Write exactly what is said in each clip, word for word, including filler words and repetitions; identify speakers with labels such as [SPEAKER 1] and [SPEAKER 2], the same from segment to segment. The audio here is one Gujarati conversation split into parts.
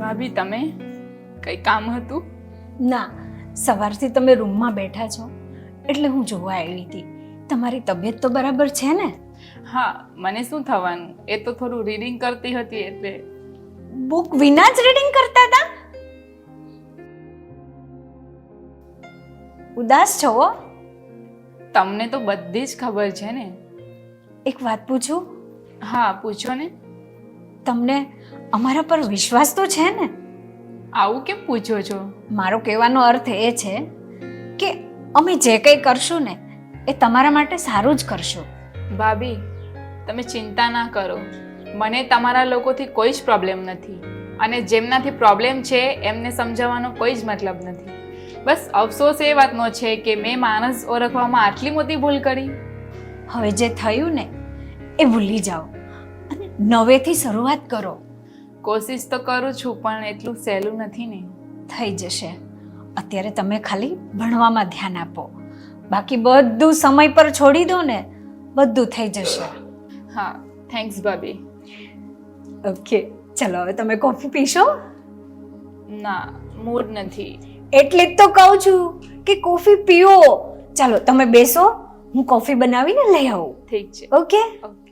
[SPEAKER 1] ભાભી તમે કઈ કામ હતું?
[SPEAKER 2] ના, સવારથી તમે રૂમમાં બેઠા છો એટલે હું જોવા આવી હતી. તમારી તબિયત તો બરાબર છે ને?
[SPEAKER 1] હા, મને શું થવાનું, એ તો થોડું રીડિંગ કરતી હતી એટલે.
[SPEAKER 2] બુક વિના જ રીડિંગ કરતા હતા? ઉદાસ છો હો?
[SPEAKER 1] તમને તો બધી જ ખબર છે ને.
[SPEAKER 2] એક વાત પૂછું?
[SPEAKER 1] હા પૂછો ને.
[SPEAKER 2] તમને અમારા પર વિશ્વાસ તો છે ને?
[SPEAKER 1] આવું કેમ પૂછો છો?
[SPEAKER 2] મારો કહેવાનો અર્થ એ છે કે અમે જે કંઈ કરશું ને એ તમારા માટે સારું જ કરશું.
[SPEAKER 1] ભાભી તમે ચિંતા ના કરો, મને તમારા લોકોથી કોઈ જ પ્રોબ્લેમ નથી અને જેમનાથી પ્રોબ્લેમ છે એમને સમજાવવાનો કોઈ જ મતલબ નથી. બસ અફસોસ એ વાતનો છે કે મેં માણસ ઓળખવામાં આટલી મોટી ભૂલ કરી.
[SPEAKER 2] હવે જે થયું ને એ ભૂલી જાઓ અને નવેથી શરૂઆત કરો.
[SPEAKER 1] કોશિશ તો કરું છું પણ એટલું સહેલું નથી ને.
[SPEAKER 2] થઈ જશે. અત્યારે તમે ખાલી ભણવામાં ધ્યાન આપો, બાકી બધું સમય પર છોડી દો ને, બધું થઈ જશે.
[SPEAKER 1] હા થેન્ક્સ ભાભી.
[SPEAKER 2] ઓકે ચલો હવે તમે કોફી પીશો?
[SPEAKER 1] ના મૂડ નથી.
[SPEAKER 2] એટલે જ તો કહું છું કે કોફી પીઓ. ચાલો તમે બેસો, હું કોફી બનાવીને લઈ આવું.
[SPEAKER 1] ઠીક છે.
[SPEAKER 2] Okay
[SPEAKER 1] okay.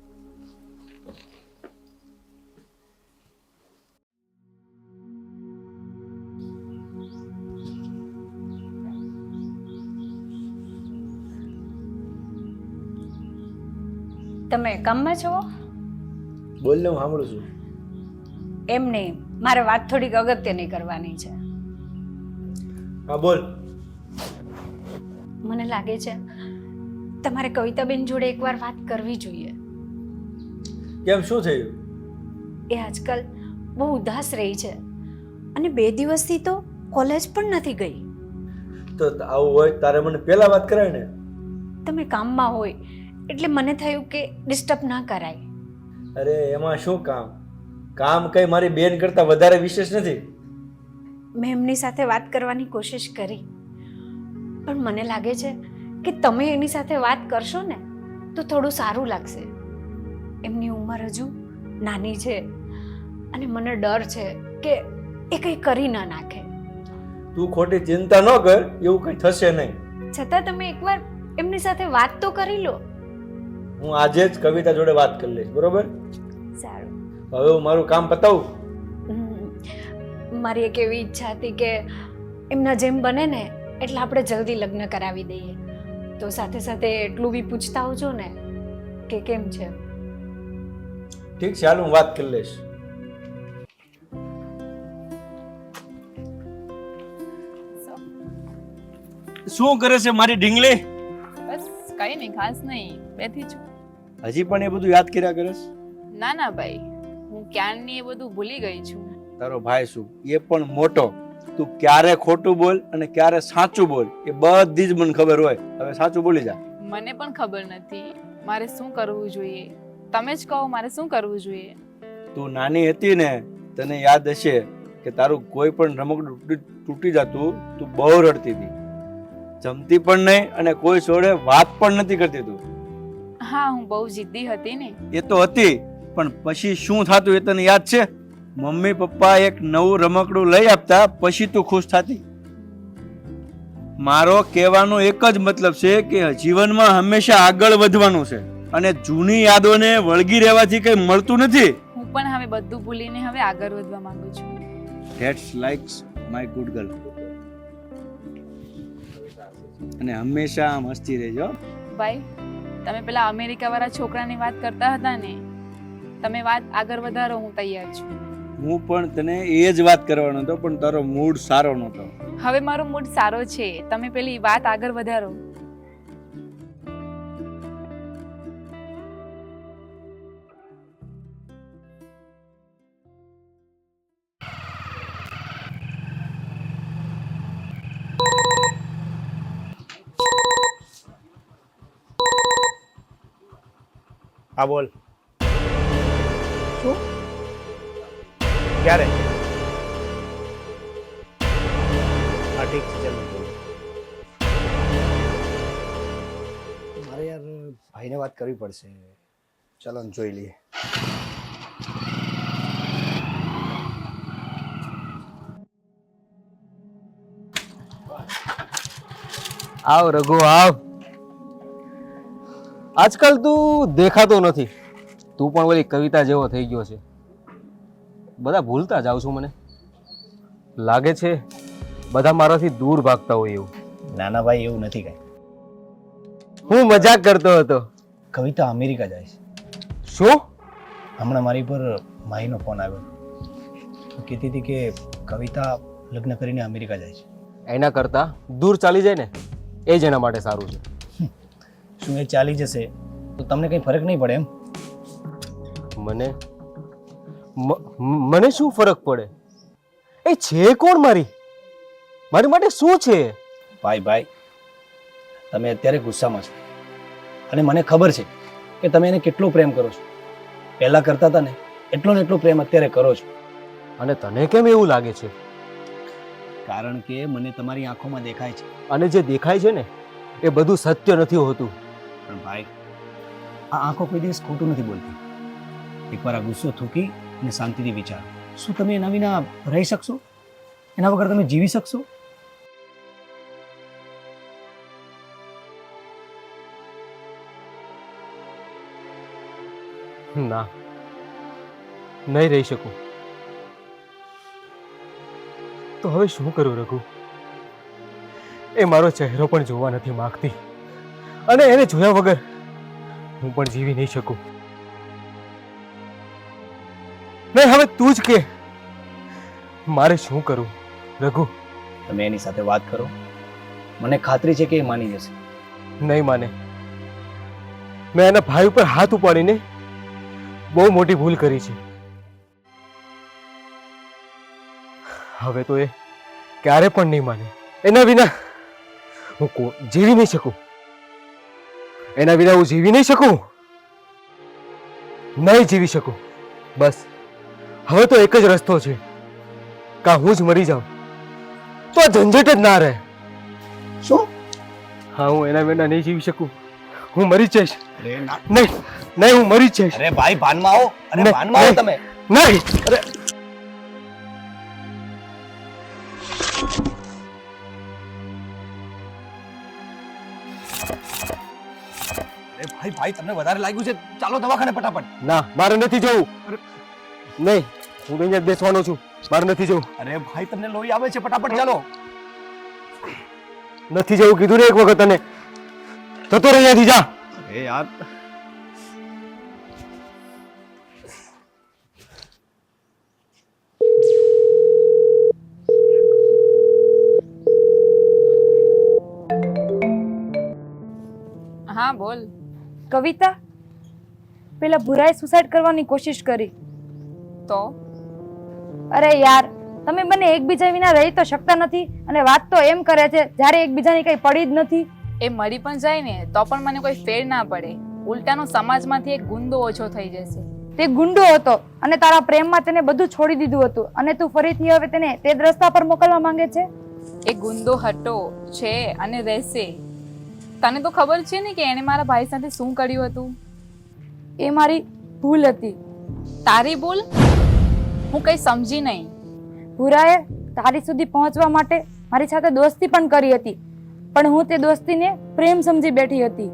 [SPEAKER 2] તમે કામમાં છો?
[SPEAKER 3] બોલ ને, હું સાંભળું છું.
[SPEAKER 2] એમ નહીં, મારે વાત થોડીક અગત્યની કરવાની છે.
[SPEAKER 3] હા બોલ.
[SPEAKER 2] મને લાગે છે તમારે કવિતાબેન જોડે એકવાર વાત કરવી જોઈએ.
[SPEAKER 3] કેમ, શું થયું?
[SPEAKER 2] એ આજકાલ બહુ ઉદાસ રહી છે અને બે દિવસથી તો કોલેજ પણ નથી ગઈ.
[SPEAKER 3] તો આવું હોય તારે મને પહેલા વાત કરાય ને.
[SPEAKER 2] તમે કામમાં હોય એટલે મને થયું કે ડિસ્ટર્બ ના કરાય.
[SPEAKER 3] અરે એમાં શું કામ, કામ કઈ મારી બેન કરતા વધારે વિશેષ નથી.
[SPEAKER 2] મેં એમની સાથે વાત કરવાની કોશિશ કરી પણ મને લાગે છે કે તમે એની સાથે વાત કરશો ને તો થોડું સારું લાગશે. એમની ઉંમર હજુ નાની છે અને મને ડર છે કે એ કંઈ કરી ના નાખે.
[SPEAKER 3] તું ખોટી ચિંતા ન કર, એવું કઈ થશે નહીં.
[SPEAKER 2] છતાં તમે એકવાર એમની સાથે વાત તો કરી લો.
[SPEAKER 3] હું આજે જ કવિતા જોડે વાત કરી લઈશ, બરોબર?
[SPEAKER 2] સારું.
[SPEAKER 3] હવે હું મારું કામ પતાવું.
[SPEAKER 2] હમ, મારી એક એવી ઈચ્છા હતી કે એમના જેમ બને ને એટલે આપણે જલ્દી લગ્ન કરાવી દઈએ. તો સાથે સાથે એટલું બી પૂછતા આવજો ને કે કેમ છે.
[SPEAKER 3] ઠીક છે, હાલ હું વાત કરી લઈશ. શું કરે છે મારી ઢીંગલી?
[SPEAKER 1] બસ કઈ નહીં, ખાસ નહીં, બેઠી છું.
[SPEAKER 3] હજી પણ એ બધું યાદ કર્યા કરે છે?
[SPEAKER 1] ના ના ભાઈ, હું ક્યારની એ બધું ભૂલી ગઈ છું.
[SPEAKER 3] તારો ભાઈ શું, એ પણ મોટો. તું ક્યારે ખોટું બોલ અને ક્યારે સાચું બોલ એ બધી જ મને ખબર હોય. હવે સાચું બોલી જા.
[SPEAKER 1] મને પણ ખબર નથી મારે શું કરવું જોઈએ. તમે જ કહો મારે શું કરવું જોઈએ.
[SPEAKER 3] તું નાની હતી ને, તને યાદ હશે કે તારું કોઈ પણ રમકડું તૂટી જતું, તું બહુ રડતી હતી. જમતી પણ નહીં અને કોઈ જોડે વાત પણ નથી કરતી તું.
[SPEAKER 1] હા હું બહુ જિદ્દી હતી ને.
[SPEAKER 3] એ તો હતી, પણ પછી શું થતું એ તને યાદ છે? મમ્મી પપ્પા એક નવું રમકડું લઈ આપતા પછી તું ખુશ થતી. મારો કહેવાનો એક જ મતલબ છે કે જીવનમાં હંમેશા આગળ વધવાનું છે અને જૂની યાદોને વળગી રહેવાથી કઈ મળતું નથી.
[SPEAKER 1] હું પણ હવે બધું ભૂલીને હવે આગળ વધવા માંગુ છું.
[SPEAKER 3] That's likes my good girl. અને હંમેશા આમ હસતી રહેજો.
[SPEAKER 1] ભાઈ તમે પેલા અમેરિકા વાળા છોકરાની વાત કરતા હતા ને, તમે વાત આગળ વધારો, હું તૈયાર છું.
[SPEAKER 3] હું પણ તને એ જ વાત કરવાનો હતો પણ તારો મૂડ સારો નહોતો.
[SPEAKER 1] હવે મારો મૂડ સારો છે, તમે પેલી વાત આગળ વધારો.
[SPEAKER 3] હા બોલ.
[SPEAKER 2] શું?
[SPEAKER 3] ક્યારે? હા ઠીક છે, ચાલો.
[SPEAKER 4] મારે યાર ભાઈને વાત કરવી પડશે. ચાલો ને જોઈ લઈએ.
[SPEAKER 5] આવ રઘુ આવ. આજકાલ તું દેખાતો નથી. તું પણ ઓલી કવિતા જેવો થઈ ગયો છે. બધા ભૂલતા જાવ છું મને લાગે છે. બધા મારાથી દૂર ભાગતા હોય એવું.
[SPEAKER 4] નાના ભાઈ એવું નથી કાંઈ.
[SPEAKER 5] હું મજાક કરતો હતો.
[SPEAKER 4] કવિતા અમેરિકા જાય છે.
[SPEAKER 5] શું?
[SPEAKER 4] હમણાં મારી પર માહીનો ફોન આવ્યો. તો કહેતી હતી કે કવિતા લગ્ન કરીને અમેરિકા જાય છે.
[SPEAKER 5] એના કરતા દૂર ચાલી જાય ને એ જ એના માટે સારું છે.
[SPEAKER 4] શું એ ચાલી જશે તો તમને કંઈ ફરક નહીં પડે એમ?
[SPEAKER 5] મને મ- મને શું ફરક પડે? એ છે કોણ મારી? મારી માટે શું છે?
[SPEAKER 4] ભાઈ ભાઈ તમે અત્યારે ગુસ્સામાં છો અને મને ખબર છે કે તમે એને કેટલો પ્રેમ કરો છો. પહેલાં કરતા હતા ને એટલો ને એટલો પ્રેમ અત્યારે કરો છો.
[SPEAKER 5] અને તને કેમ એવું લાગે છે?
[SPEAKER 4] કારણ કે મને તમારી આંખોમાં દેખાય છે.
[SPEAKER 5] અને જે દેખાય છે ને એ બધું સત્ય નથી હોતું.
[SPEAKER 4] પણ ભાઈ આ આંખો કોઈ દિવસ ખોટું નથી બોલતી. એકવાર આ ગુસ્સો થૂકી અને શાંતિથી વિચારો. શું તમે એના વિના રહી શકશો? એના વગર તમે જીવી શકશો?
[SPEAKER 5] ના, નહીં રહી શકું. તો હવે શું કરું રઘુ? એ મારો ચહેરો પણ જોવા નથી માંગતી અને એને જોયા વગર હું પણ જીવી નહીં શકું. નહીં, હવે તું જ કે મારે શું કરું રઘુ?
[SPEAKER 4] તમે એની સાથે વાત કરો. મને ખાતરી છે કે એ માની જશે.
[SPEAKER 5] નહીં માને. મેં એના ભાઈ ઉપર હાથ ઉપાડીને બહુ મોટી ભૂલ કરી છે. હવે તો એ ક્યારે પણ નહીં માને. એના વિના હું કો- જીવી નહીં શકું. એના વિના હું જીવી નહીં શકું. નહીં જીવી શકું. બસ હવે તો એક જ રસ્તો છે. કાં હું જ મરી જાઉં તો આ ઝંઝટ જ ના રહે.
[SPEAKER 4] શું?
[SPEAKER 5] હા, હું એના વિના નહીં જીવી શકું. હું મરી જ જઈશ.
[SPEAKER 4] અરે ના.
[SPEAKER 5] નહીં નહીં, હું મરી જ જઈશ.
[SPEAKER 4] અરે ભાઈ ભાનમાં આવો. અરે
[SPEAKER 5] નહીં,
[SPEAKER 4] ભાનમાં આવો
[SPEAKER 5] નહીં.
[SPEAKER 4] તમે.
[SPEAKER 5] નહીં. અરે
[SPEAKER 4] અરે ભાઈ ભાઈ તમને વધારે લાગ્યું છે. ચાલો દવાખાને ફટાફટ.
[SPEAKER 5] ના, મારે નથી જવું. નહીં, હું અહીંયા જ બેસવાનો છું. મારે નથી જવું.
[SPEAKER 4] અરે ભાઈ તમને લોહી આવે છે. ફટાફટ ચાલો.
[SPEAKER 5] નથી જવું કીધું ને એક વખત તને. જતો રહે અહીંયાથી, જા.
[SPEAKER 4] અરે યાર
[SPEAKER 1] હા બોલ.
[SPEAKER 6] કવિતા, પેલા ભુરાએ સુસાઇડ કરવાની કોશિશ કરી.
[SPEAKER 1] તો
[SPEAKER 6] અરે યાર, તમે બંને એકબીજા વિના રહી તો શકતા નથી અને વાત તો એમ કરે છે જ્યારે એકબીજાની કઈ પડી જ નથી.
[SPEAKER 1] એ મરી પણ જાય ને તો પણ મને કોઈ ફેર ના પડે. ઉલટાનો સમાજમાંથી એક ગુંદો ઓછો થઈ જશે.
[SPEAKER 6] તે ગુંડો હતો અને તારા પ્રેમમાં તેને બધું છોડી દીધું હતું અને તું ફરીથી હવે તેને તે જ રસ્તા પર મોકલવા માંગે છે.
[SPEAKER 1] એ ગુંદો હતો છે અને રહેશે. તને તો ખબર છે ને કે એણે મારા ભાઈ સાથે શું કર્યું હતું.
[SPEAKER 6] એ મારી ભૂલ હતી.
[SPEAKER 1] તારી ભૂલ? હું કઈ સમજી નહીં.
[SPEAKER 6] ભુરાએ તારી સુધી પહોંચવા માટે મારી સાથે દોસ્તી પણ કરી હતી, પણ હું તે દોસ્તીને પ્રેમ સમજી બેઠી હતી.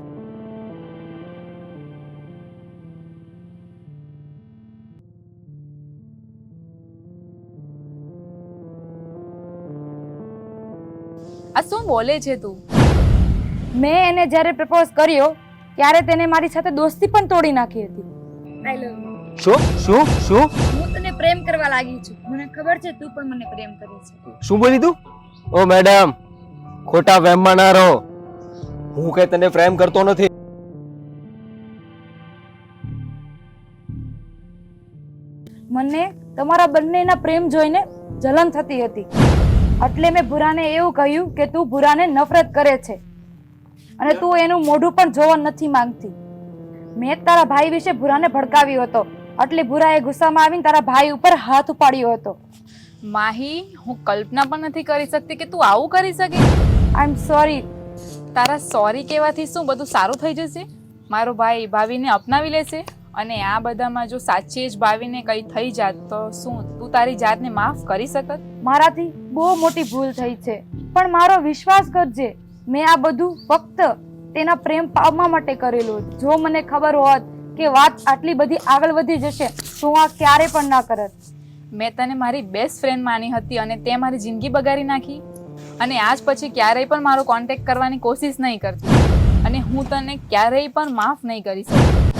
[SPEAKER 1] આ શું બોલે છે તું?
[SPEAKER 6] મેં એને જ્યારે પ્રપોઝ કર્યો ત્યારે તેને મારી સાથે દોસ્તી પણ તોડી નાખી હતી. I love you.
[SPEAKER 5] શું શું શું
[SPEAKER 6] હું તને પ્રેમ કરવા લાગી છું. મને ખબર છે તું પણ મને પ્રેમ કરે છે.
[SPEAKER 5] શું બોલી તું? ઓ મેડમ, ખોટા વહેમમાં ના રહો. હું કઈ તને પ્રેમ કરતો નથી.
[SPEAKER 6] મને તમારા બંનેના પ્રેમ જોઈને જલન થતી હતી, એટલે મેં ભુરાને એવું કહ્યું કે તું ભુરાને નફરત કરે છે અને તું એનું મોઢું પણ જોવા નથી માંગતી. મેં તારા ભાઈ વિશે ભુરાને ભડકાવ્યો હતો, એટલે ભુરાએ ગુસ્સામાં આવીને તારા ભાઈ ઉપર હાથ ઉપાડ્યો હતો.
[SPEAKER 1] માહી, હું કલ્પના પણ નથી કરી શકતી કે તું આવું કરી શકે.
[SPEAKER 6] આઈ એમ સોરી.
[SPEAKER 1] તારા સોરી કહેવાથી શું બધું સારું થઈ જશે? મારો ભાઈ ભાવિને અપનાવી લેશે અને આ બધામાં જો સાચે જ ભાવિને કંઈ થઈ જાત તો શું તું તારી જાતને માફ કરી શકત?
[SPEAKER 6] મારાથી બહુ મોટી ભૂલ થઈ છે, પણ મારો વિશ્વાસ કરજે, મેં આ બધું ફક્ત તેના પ્રેમ પામવા માટે કરેલું. જો મને ખબર હોત કે વાત આટલી બધી આગળ વધી જશે તો હું આ ક્યારે પણ ના કરત.
[SPEAKER 1] મેં તને મારી બેસ્ટ ફ્રેન્ડ માની હતી અને તે મારી જિંદગી બગાડી નાખી. અને આજ પછી ક્યારેય પણ મારો કોન્ટેક્ટ કરવાની કોશિશ નહીં કરતી અને હું તને ક્યારેય પણ માફ નહીં કરી શકું.